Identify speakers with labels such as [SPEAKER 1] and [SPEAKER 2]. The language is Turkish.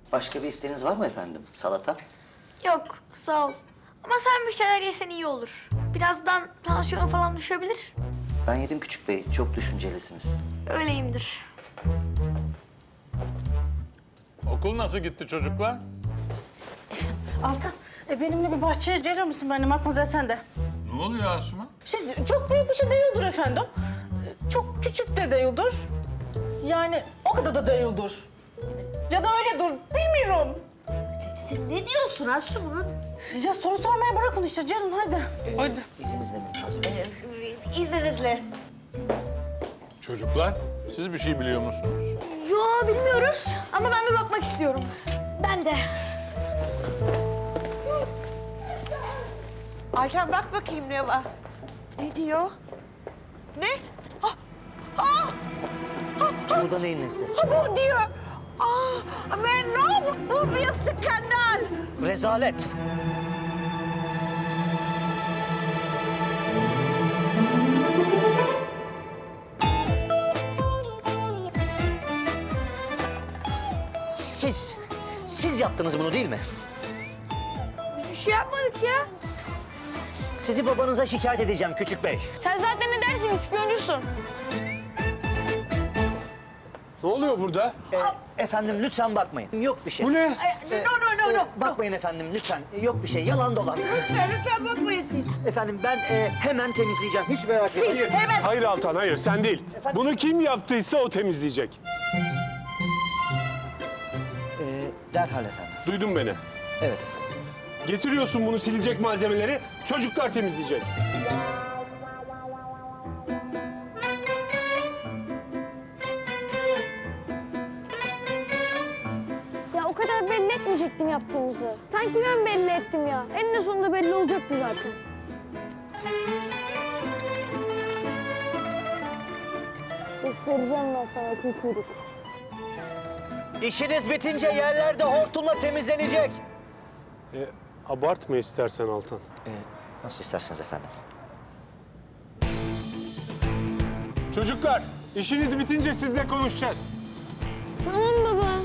[SPEAKER 1] Başka bir isteğiniz var mı efendim? Salata?
[SPEAKER 2] Yok, sağ ol. Ama sen bir şeyler yesen iyi olur. Birazdan tansiyonu falan düşebilir.
[SPEAKER 1] Ben yedim küçük bey. Çok düşüncelisiniz.
[SPEAKER 2] Öyleyimdir.
[SPEAKER 3] Okul nasıl gitti çocuklar?
[SPEAKER 4] Altan, benimle bir bahçeye gelir misin benimle? Matmazel sen de.
[SPEAKER 3] Ne oluyor Asuman?
[SPEAKER 4] Çok büyük bir şey değildir efendim. Çok küçük de değildir. Yani o kadar da değildir. Ya da öyledir, bilmiyorum.
[SPEAKER 5] Sen ne diyorsun Asuman?
[SPEAKER 4] Ya soru sormaya bırakın işte canım, hadi. Hadi.
[SPEAKER 1] İzninizle Mümtaz Bey.
[SPEAKER 5] İzninizle.
[SPEAKER 3] Çocuklar, siz bir şey biliyor musunuz?
[SPEAKER 2] Yo, bilmiyoruz. Ama ben bir bakmak istiyorum. Ben de.
[SPEAKER 5] Altan bak bakayım ne var. Ne diyor? Ne?
[SPEAKER 1] Bu da neyin nesi?
[SPEAKER 5] Bu diyor. Men bu bir skandal.
[SPEAKER 1] Rezalet. Siz yaptınız bunu değil mi?
[SPEAKER 2] Bir şey yapmadık ya.
[SPEAKER 1] Sizi babanıza şikayet edeceğim küçük bey.
[SPEAKER 2] Sen zaten ne dersin, ispiyoncusun.
[SPEAKER 6] Ne oluyor burada?
[SPEAKER 1] Efendim lütfen bakmayın. Yok bir şey.
[SPEAKER 6] Bu ne?
[SPEAKER 5] No.
[SPEAKER 1] Bakmayın efendim lütfen. Yok bir şey. Yalan dolan.
[SPEAKER 5] Lütfen bakmayın siz.
[SPEAKER 1] Efendim ben hemen temizleyeceğim. Hiç merak etmeyin.
[SPEAKER 5] Hemen.
[SPEAKER 6] Hayır Altan, hayır sen değil. Bunu kim yaptıysa o temizleyecek.
[SPEAKER 1] Derhal efendim.
[SPEAKER 6] Duydun beni.
[SPEAKER 1] Evet efendim.
[SPEAKER 6] Getiriyorsun bunu silecek malzemeleri, çocuklar temizleyecek.
[SPEAKER 2] Ya o kadar belli etmeyecektim yaptığımızı. Sanki ben belli ettim ya. Eninde sonunda belli olacaktı zaten. Göstereceğim ben sana kuyruk.
[SPEAKER 1] İşiniz bitince yerlerde hortumla temizlenecek.
[SPEAKER 6] Abartma istersen Altan.
[SPEAKER 1] Nasıl isterseniz efendim.
[SPEAKER 6] Çocuklar, işiniz bitince sizle konuşacağız.
[SPEAKER 2] Tamam baba.